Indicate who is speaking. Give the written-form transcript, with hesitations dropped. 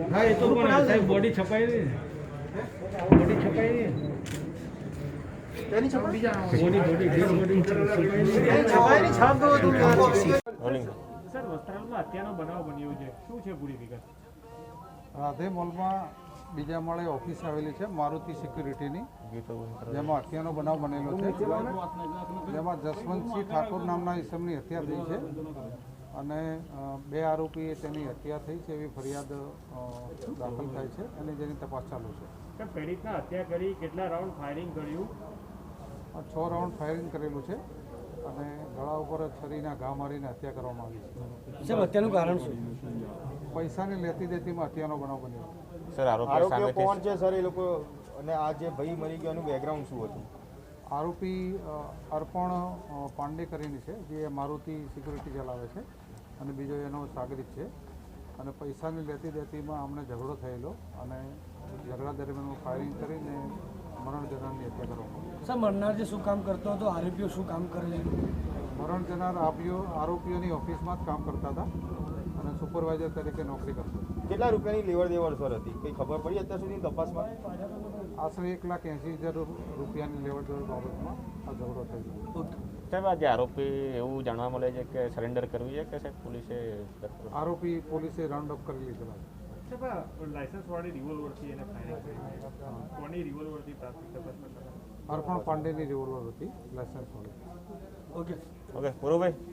Speaker 1: હા એ તો પણ સાહેબ બોડી છપાઈ નહીં બોડી છપાઈ નહીં
Speaker 2: તેની છપાઈ બીજા
Speaker 1: બોડી
Speaker 2: છપાઈની છાપ દો તો
Speaker 1: સર વસ્ત્રાલમાં હત્યાનો બનાવ બન્યો છે શું છે પૂરી વિગત?
Speaker 3: રાધે મોલમાં બીજા માળે ઓફિસ આવેલી છે મારુતિ સિક્યુરિટીની, જેમાં હત્યાનો બનાવ બનેલો છે, જેમાં જસવંતસિંહ ઠાકોર નામના ઈસમની હત્યા થઈ છે અને 2 આરોપીએ તેની હત્યા થઈ છે એવી ફરિયાદ દાખલ થાય છે અને જેની તપાસ ચાલુ છે.
Speaker 1: સર પીડિતના હત્યા કરી કેટલા રાઉન્ડ ફાયરિંગ કર્યું?
Speaker 3: 6 રાઉન્ડ ફાયરિંગ કરેલું છે અને ગળા ઉપર છરીના ઘા મારીને હત્યા કરવામાં આવી છે.
Speaker 2: સાહેબ હત્યાનું કારણ શું?
Speaker 3: પૈસાની લેતી દેતીમાં હત્યાનો બનાવ બન્યો.
Speaker 4: સર આરોપીઓ કોણ છે સર એ લોકો, અને આ જે ભાઈ મરી ગયો એનું બેકગ્રાઉન્ડ શું હતું?
Speaker 3: આરોપી અર્પણ પાંડે કરીને છે, જે મારુતિ સિક્યુરિટી ચલાવે છે અને બીજો એનો સાગરીત છે અને પૈસાની લેતી દેતીમાં અમને ઝઘડો થયેલો અને ઝઘડા દરમિયાન ફાયરિંગ કરીને મરણ જનારની હત્યા કરવામાં આવી.
Speaker 2: સર મરનાર જે શું કામ કરતો હતો, આરોપીઓ શું કામ કરે છે?
Speaker 3: મરણ જનાર આરોપીઓની ઓફિસમાં જ કામ કરતા હતા અને સુપરવાઇઝર તરીકે નોકરી કરતો.
Speaker 4: કેટલા રૂપિયાની લેવડ દેવડ સર હતી, કંઈ ખબર પડી અત્યાર સુધી તપાસમાં?
Speaker 3: આશરે 1,80,000 રૂપિયાની લેવડ દેવડ બાબતમાં આ ઝઘડો થયેલો.
Speaker 5: સાહેબ આજે આરોપી એવું જાણવા મળે છે કે સરેન્ડર કરવું છે કે સાહેબ પોલીસે
Speaker 3: આરોપી પોલીસે રાઉન્ડ અપ કરી લીધેલા છે.
Speaker 1: લાયસન્સ વાળી રિવોલ્વરથી એને ફાયરિંગ કરી કોની રિવોલ્વરથી પ્રાથમિક તપાસ કરતા?
Speaker 3: અર્પણ પાંડેની રિવોલ્વર હતી લાયસન્સ વાળી.
Speaker 2: ઓકે
Speaker 5: ઓકે પૂરું ભાઈ.